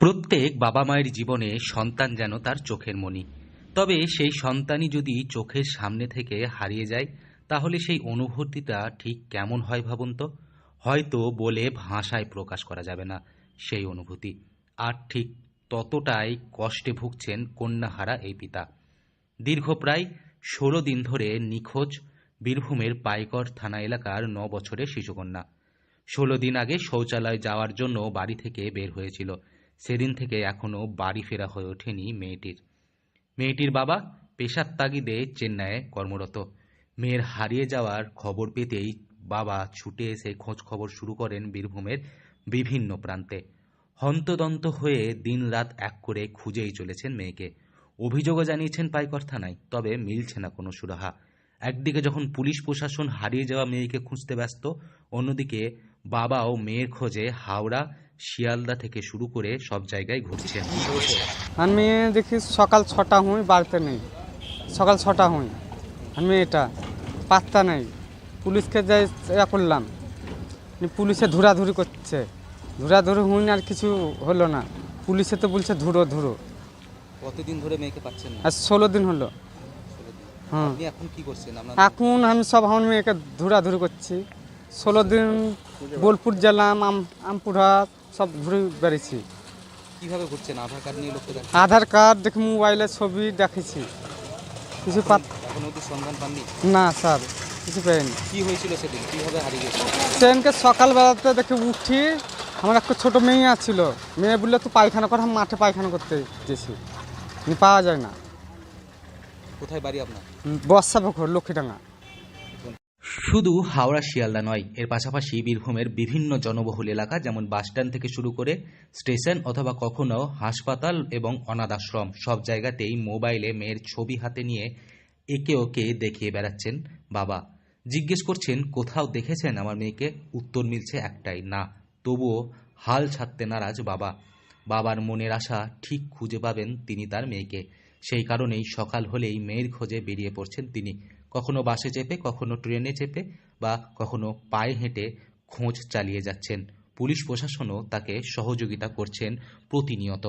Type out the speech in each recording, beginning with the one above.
প্রত্যেক বাবা মায়ের জীবনে সন্তান যেন তার চোখের মণি। তবে সেই সন্তানই যদি চোখের সামনে থেকে হারিয়ে যায়, তাহলে সেই অনুভূতিটা ঠিক কেমন হয় ভাবুন তো। হয়তো বলে ভাষায় প্রকাশ করা যাবে না সেই অনুভূতি। আর ঠিক ততটাই কষ্টে ভুগছেন কন্যাহারা এই পিতা। দীর্ঘ প্রায় ১৬ দিন ধরে নিখোঁজ বীরভূমের পাইকড় থানা এলাকার ৯ বছরের শিশুকন্যা। ১৬ দিন আগে শৌচালয় যাওয়ার জন্য বাড়ি থেকে বের হয়েছিল। সেদিন থেকে এখনো বাড়ি ফেরা হয়ে ওঠেনি মেয়েটির বাবা পেশার তাগিদে চেন্নাইয়ে কর্মরত। মেয়ের হারিয়ে যাওয়ার খবর পেতেই বাবা ছুটে এসে খোঁজ খবর শুরু করেন বীরভূমের বিভিন্ন প্রান্তে। হন্তদন্ত হয়ে দিনরাত এক করে খুঁজেই চলেছেন মেয়েকে। অভিযোগও জানিয়েছেন পাইকড় থানায়, তবে মিলছে না কোনো সুরাহা। একদিকে যখন পুলিশ প্রশাসন হারিয়ে যাওয়া মেয়েকে খুঁজতে ব্যস্ত, অন্যদিকে বাবাও মেয়ের খোঁজে হাওড়া, শিয়ালদা থেকে শুরু করে সব জায়গায় ঘুরছেন। আমি দেখি সকাল ৬টা হুঁই বাড়িতে নেই, সকাল ৬টা হুঁই আমি এটা পাত্তা নেই। পুলিশকে যাই ইয়া করলাম, পুলিশে ধুরাধুরি করছে, ধুরাধুরি হুঁই আর কিছু হলো না। পুলিশে তো বলছে ধুরো ধুরো। কতদিন ধরে মেয়েকে পাচ্ছেন না? আর ১৬ দিন হলো। হ্যাঁ, আপনি এখন কি করছেন? এখন আমি সব আমার মেয়েকে ধুরাধুরি করছি। ১৬ দিন বোলপুর গেলাম, আমপুরহাট সব ঘুরে বেড়েছি। কিভাবে ঘুরছেন? আধার কার্ড নিয়ে লোককে দেখেন? আধার কার্ড দেখি, মোবাইলে ছবি দেখেছি, কিছু এখন অবধি সন্ধান পাননি? না স্যার, কিছু পাইনি। কি হয়েছিল সেদিন? কিভাবে হারিয়ে গেছে? সেদিনকে সকালবেলাতে দেখে উঠি, আমার একটা ছোটো মেয়ে আছিল। মেয়ে বললে তো পায়খানা করে, আমি মাঠে পায়খানা করতে গেছি, পাওয়া যায় না। কোথায় বাড়ি আপনার? বর্ষাপুকুর, লক্ষ্মীডাঙ্গা। শুধু হাওড়া শিয়ালদা নয়, এর পাশাপাশি বীরভূমের বিভিন্ন জনবহুল এলাকা যেমন বাসস্ট্যান্ড থেকে শুরু করে স্টেশন অথবা কখনো হাসপাতাল এবং অনাথ আশ্রম, সব জায়গাতেই মোবাইলে মেয়ের ছবি হাতে নিয়ে একে ওকে দেখিয়ে বেড়াচ্ছেন বাবা। জিজ্ঞেস করছেন, কোথাও দেখেছেন আমার মেয়েকে? উত্তর মিলছে একটাই, না। তবুও হাল ছাড়তে নারাজ বাবা। বাবার মনের আশা ঠিক খুঁজে পাবেন তিনি তার মেয়েকে। সেই কারণেই সকাল হলেই মেয়ের খোঁজে বেরিয়ে পড়ছেন তিনি। কখনো বাসে চেপে, কখনো ট্রেনে চেপে বা কখনো পায়ে হেঁটে খোঁজ চালিয়ে যাচ্ছেন। পুলিশ প্রশাসনও তাকে সহযোগিতা করছেন প্রতিনিয়ত।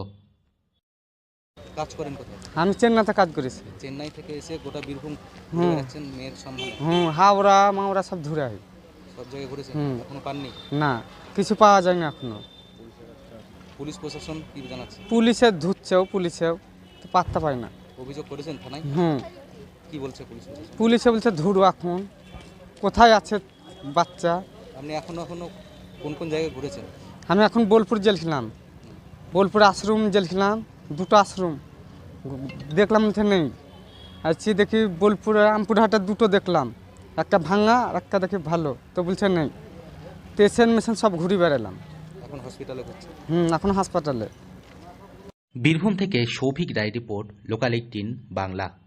কাজ করেন কোথায়? আমি চেন্নাইতে কাজ করেছি। চেন্নাই থেকে এসে গোটা বীরভূম হুম। যাচ্ছেন মেয়ের সন্ধানে? হাওড়া মাওড়া সব ঘুরে হয়। সব জায়গায় ঘুরেছেন? এখনো পাননি? না, কিছু পাওয়া যায় না এখনো। পুলিশ প্রশাসন কি জানাচ্ছে? পুলিশে ধুচ্ছেও, পুলিশেও তো পাত্তা পায় না। অভিযোগ করেছেন থানায়? কি বলছে পুলিশ প্রশাসন? পুলিশে বলছে ধুরো, এখন কোথায় আছে বাচ্চা। আপনি এখনো কোন কোন জায়গায় ঘুরেছেন? আমি এখন বোলপুর জেলছিলাম, বোলপুর আশ্রম জেলছিলাম, দুটো আশ্রম দেখলাম, বলছে নেই। আছি দেখি বোলপুরে আমপুরহাটে দুটো দেখলাম, একটা ভাঙা আর একটা দেখি ভালো, তো বলছে নেই। পেশেন্ট মেশিন সব ঘুরে বেড়ালাম। এখন হসপিটালে ঘুরছে? এখন হাসপাতালে। বীরভূম থেকে সৌভিক রায় রিপোর্ট, লোকাল ১৮ বাংলা।